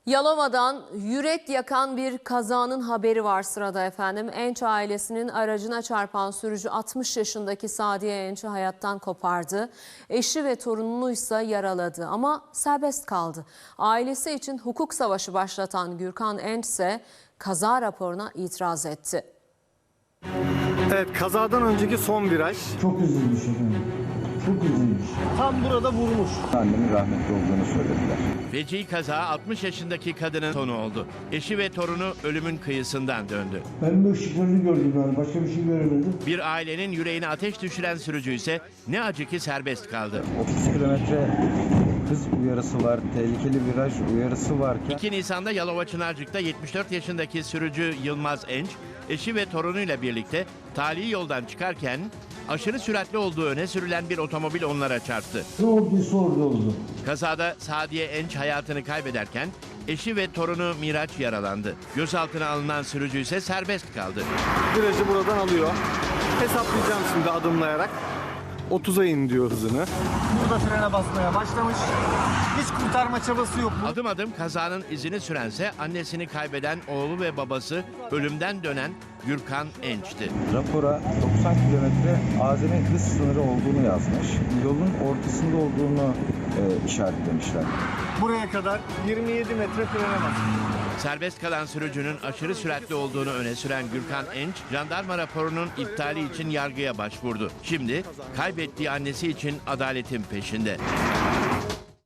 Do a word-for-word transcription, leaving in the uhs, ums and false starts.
Yalova'dan yürek yakan bir kazanın haberi var sırada efendim. Enç ailesinin aracına çarpan sürücü altmış yaşındaki Sadiye Enç'i hayattan kopardı. Eşi ve torununu ise yaraladı ama serbest kaldı. Ailesi için hukuk savaşı başlatan Gürkan Enç ise kaza raporuna itiraz etti. Evet, kazadan önceki son viraj. Çok üzülmüş efendim. Çok üzülmüş. Tam burada vurmuş. Annemin rahmetli olduğunu söylediler. Feci kaza altmış yaşındaki kadının sonu oldu. Eşi ve torunu ölümün kıyısından döndü. Ben bu ışıklarını gördüm yani. Başka bir şey göremedim. Bir ailenin yüreğine ateş düşüren sürücü ise ne acı ki serbest kaldı. otuz kilometre hız uyarısı var, tehlikeli viraj uyarısı varken... iki Nisan'da Yalova Çınarcık'ta yetmiş dört yaşındaki sürücü Yılmaz Enç, eşi ve torunuyla birlikte tali yoldan çıkarken aşırı süratli olduğu öne sürülen bir otomobil onlara çarptı. Ne olduysa orada oldu. Kazada Sadiye Enç hayatını kaybederken eşi ve torunu Miraç yaralandı. Gözaltına alınan sürücü ise serbest kaldı. Virajı buradan alıyor. Hesaplayacağım şimdi adımlayarak. otuza in diyor hızını. Burada frene basmaya başlamış. Hiç kurtarma çabası yok. Adım adım kazanın izini sürense annesini kaybeden oğlu ve babası ölümden dönen Gürkan Enç'ti. Rapora doksan kilometre azami hız sınırı olduğunu yazmış. Yolun ortasında olduğunu e, işaretlemişler. Buraya kadar yirmi yedi metre frene bas. Serbest kalan sürücünün aşırı süratli olduğunu öne süren Gürkan Enç, jandarma raporunun iptali için yargıya başvurdu. Şimdi kaybettiği annesi için adaletin peşinde.